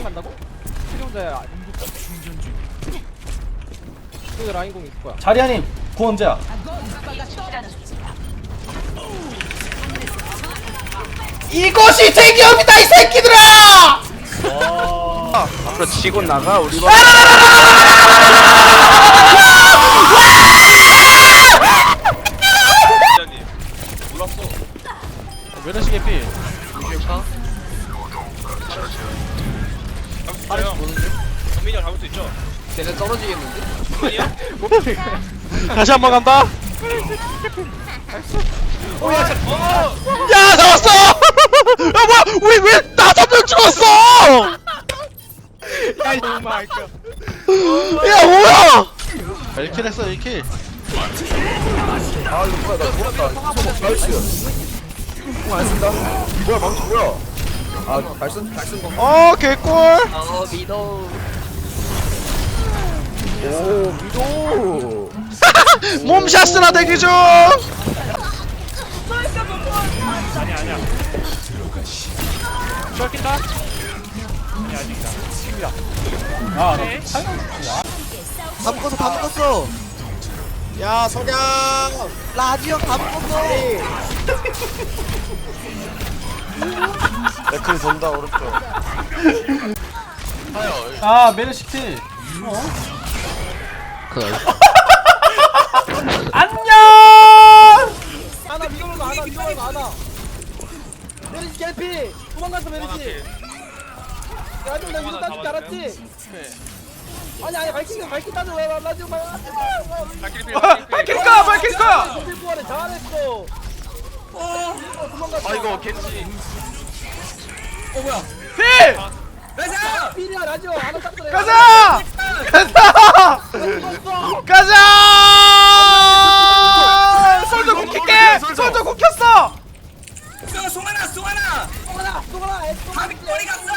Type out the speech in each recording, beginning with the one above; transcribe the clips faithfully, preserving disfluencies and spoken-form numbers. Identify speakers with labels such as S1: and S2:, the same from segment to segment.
S1: 간다고? 트레 혼자 충전 중. 그 라인 공 있을 거야.
S2: 자리아님 구 언제야? 이것이 대기업이다 이 새끼들아!
S3: 앞으로 치고 나가 우리 거. 몰랐어.
S1: 메르시 개피.
S3: 이길까?
S1: 파리스 보는데?
S3: 정민이 형 잡을 수 있죠?
S1: 쟤네 떨어지겠는데?
S3: 아니야?
S1: 다시 한 번 간다.
S3: 어, 야, 자, 어!
S1: 야 잡았어! 야 뭐야? 우리 왜 다섯 명 죽었어?
S3: 야, 이거 말까?
S1: 야 뭐야? 일 킬 했어 일 킬.
S4: 아 이거 뭐야 나 죽었다. 나이스. 공안 쓴다. 뭐야 망치 뭐야? 아 발선 발선 거.
S1: 어 개꿀.
S3: 어, 미도.
S4: 오 미도.
S1: 몸샷스나 대기 중.
S3: 아니야, 아니야. 쫄긴다? 아니야, 아직이다. 지금이다.
S2: 아,
S3: 네.
S5: 다 묶었어 다 묶었어
S4: 야 석양.
S5: 라지형 다 묶었어
S4: 댓글 본다 오른쪽.
S2: 아 메르시티. 어? 안녕.
S1: 하나 밀어놓은 거 하나 밀어놓은 거 하나. 메르시 개피. 도망갔어 메르시. 야 좀 나 위로 따줄 줄 알았지? 아니 아니 밝힌다 밝힌다는 왜 라지오 말.
S2: 밝힐까 밝힐까.
S1: 부활에 잘했어. 어 도망갔어.
S3: 아이고, 겐지.
S1: 어 뭐야?
S2: 필.
S1: 가자! 필이야 라지오 하나 딱 그래.
S2: 가자. 가자.
S1: 죽었어.
S2: 가자. 솔저 굽힐게. 솔저 굽혔어.
S1: 송하나 송하나. 송하나 송하나. 밥이 꼬리 갔어.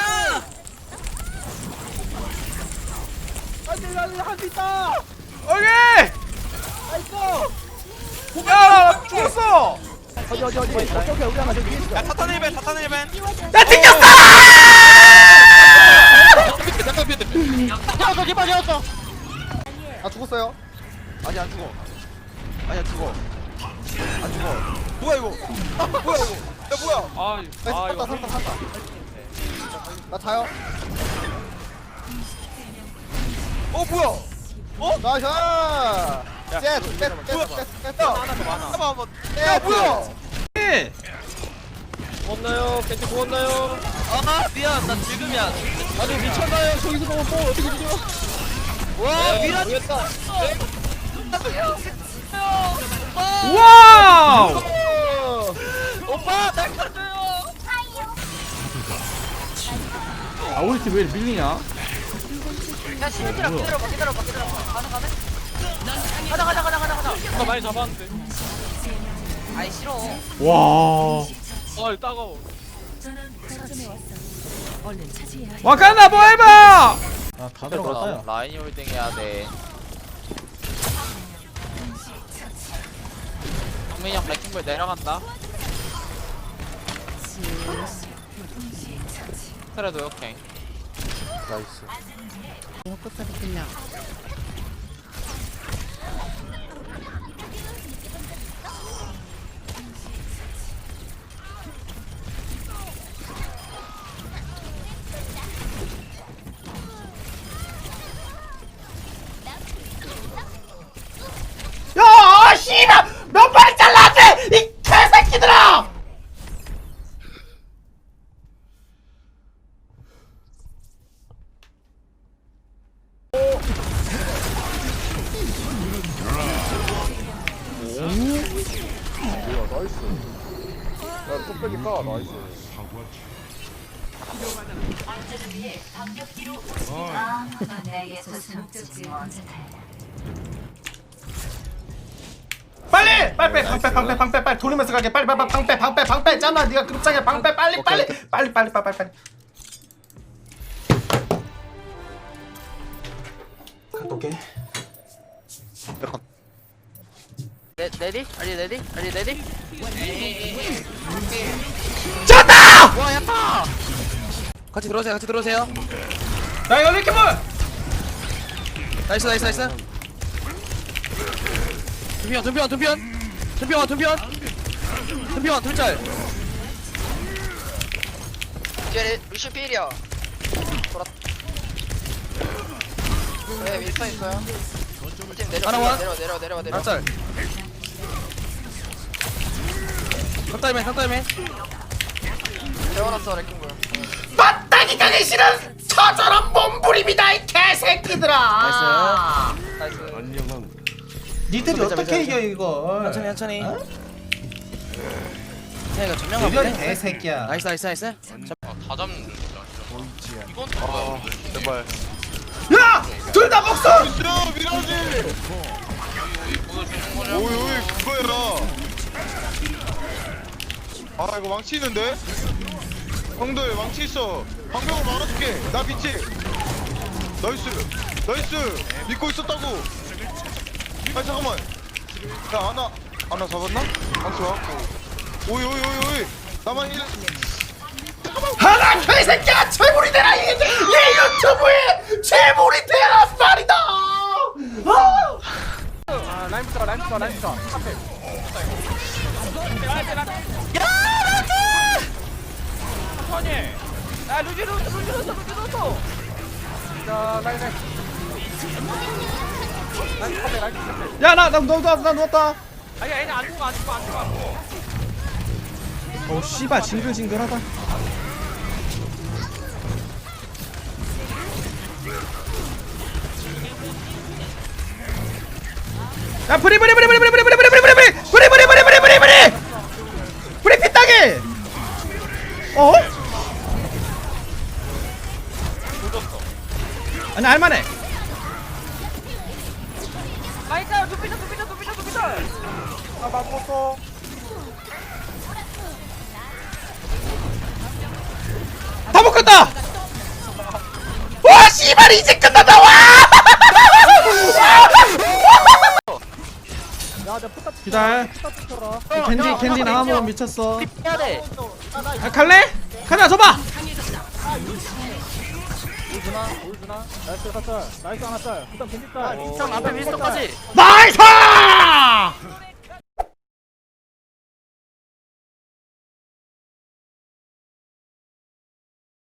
S1: 안돼 안돼 할수 있다.
S2: 오케이.
S1: 나이스.
S2: 야 죽었어.
S1: 어디 어디 어디. 오케이 오케이 우리 하나 저기 있어.
S3: 야, 타탄 일벤, 타탄 일벤.
S2: 야 튕겼어.
S1: 잡았어 기빠 잡았어.
S4: 아 죽었어요? 아니 안 죽어. 아니 안 죽어. 안 죽어. 뭐야 이거? 뭐야 이거? 야 뭐야?
S3: 아,
S4: 나
S3: 아,
S4: 살았다
S3: 이거.
S4: 살았다 살았다. 나 자요. 어 뭐야? 어? 나이스. 셋, 셋, 셋, 셋, 셋.
S3: 하나 더 많아.
S4: 한번 한번. 야 뭐야?
S1: 구웠나요? 겐지 구웠나요?
S3: 아, 미안. 나 지금이야.
S1: 아니 미쳤나요? 저기서 보면 뭐 어떻게 되죠?
S3: 와, 미라.
S1: 모르겠다.
S2: 와우.
S3: 오빠, 날 가져요.
S2: 아 우리 팀 왜 밀리냐?
S6: 야 신들아 기다려봐 기다려봐 기다려봐 가능 가능? 가자 가자 가자 가자 가자
S3: 나 많이 잡았는데.
S6: 아이 싫어
S2: 와.
S3: 아, 따가워.
S2: 와칸다 뭐 해봐. 아다 들어갔다.
S3: 라인 홀딩 해야 돼. 정민이 형 레킹볼 내려간다. 그래도 오케이.
S4: 나이스.
S2: 야 씨발 몇 발이 잘랐대 이 개새끼들아.
S4: 뭐야 나이스. 야 뚝배기 까 나이스.
S2: 빨리 빨리 방패 방패 방패 빨리 돌리면서 가게 빨리 빨리 방패 방패 방패 잖아 네가 급장해 방패 빨리 빨리 빨리 빨리 빨리 빨리 갔다 올게.
S6: 레, 레디? 아리 레디? 아리 레디?
S2: 졌다!
S6: 와 야타!
S5: 같이 들어오세요 같이 들어오세요
S2: 야 이거 이렇게 뭘
S5: 나이스 나이스 나이스 둠피원 둠피원 둠피원 둠피원 둠피원 둠피원 둘짤
S6: 뒤에 루시 필이야. 돌았. 네 윈스턴 있어요. 팀 내려
S5: 하나 와.
S6: 내려 내려 내려 내려.
S5: 둘짤 깜짝이맨 깜짝이맨
S6: 재워놨어 레킹볼.
S2: 마땅히 가기 싫은 처절한 몸부림이다 이 개새끼들아.
S5: 나이스
S2: 니들이
S5: 매자,
S2: 어떻게
S5: 매자,
S2: 이겨
S5: 매자.
S2: 이거?
S5: 천천히 천천히
S2: 어?
S5: 태가 전명하고
S2: 이런 개새끼야.
S5: 나이스 나이스 나이스
S3: 다 잡는 거야 이건 또
S7: 아 제발.
S2: 야! 둘 다 목숨!
S7: 야 미라지. 오이 오이 그거야. 아 이거 망치 있는데? 형들 망치 있어. 방벽을 막아줄게. 나 빛이. 나이스. 나이스. 믿고 있었다고. 아 잠깐만. 야 아나 아나 잡았나? 망치 와갖고. 오이 오이 오이 오이. 나만 일.
S2: 하나 개새끼야 재물이 되라 이, 이 유튜브에 재물이 되라 말이다. 아!
S1: 아 라인부터 라인부터 라인부터 앞에
S3: 천천히 야 루지 루지 루지 루지 루지 루지
S1: 자 라인 라인 라인 앞에 라인 앞에
S2: 야나 나 누웠다 나 누웠다.
S3: 아니 얘네 안 죽어 안 죽어 안 죽어 안 죽어
S2: 어 씨발 징글징글하다. 야 브리 브리 브리 브리 브리 브리 브리 브리 브리 브리 브리 브리 브리 브리 브리 브리 브리 브리 피따기. 어? 아니 할만해.
S6: 나이스 두피셔 두피셔 두피셔 두피셔.
S1: 아나 죽었어
S2: 다 먹혔다. 와 씨발 이제 끝났다. 와.
S1: 야내 포탑
S2: 기다려.
S1: 포탑 붙여라
S2: 겐지 겐지 나가면 미쳤어.
S6: 해야 돼.
S2: 아, 갈래? 가자 줘봐.
S1: 보여주나 보여주나 나이스 하나 짤 나이스 하나 짤 그다음 겐지 짤
S6: 형 앞에 윈스턴까지.
S2: 나이스.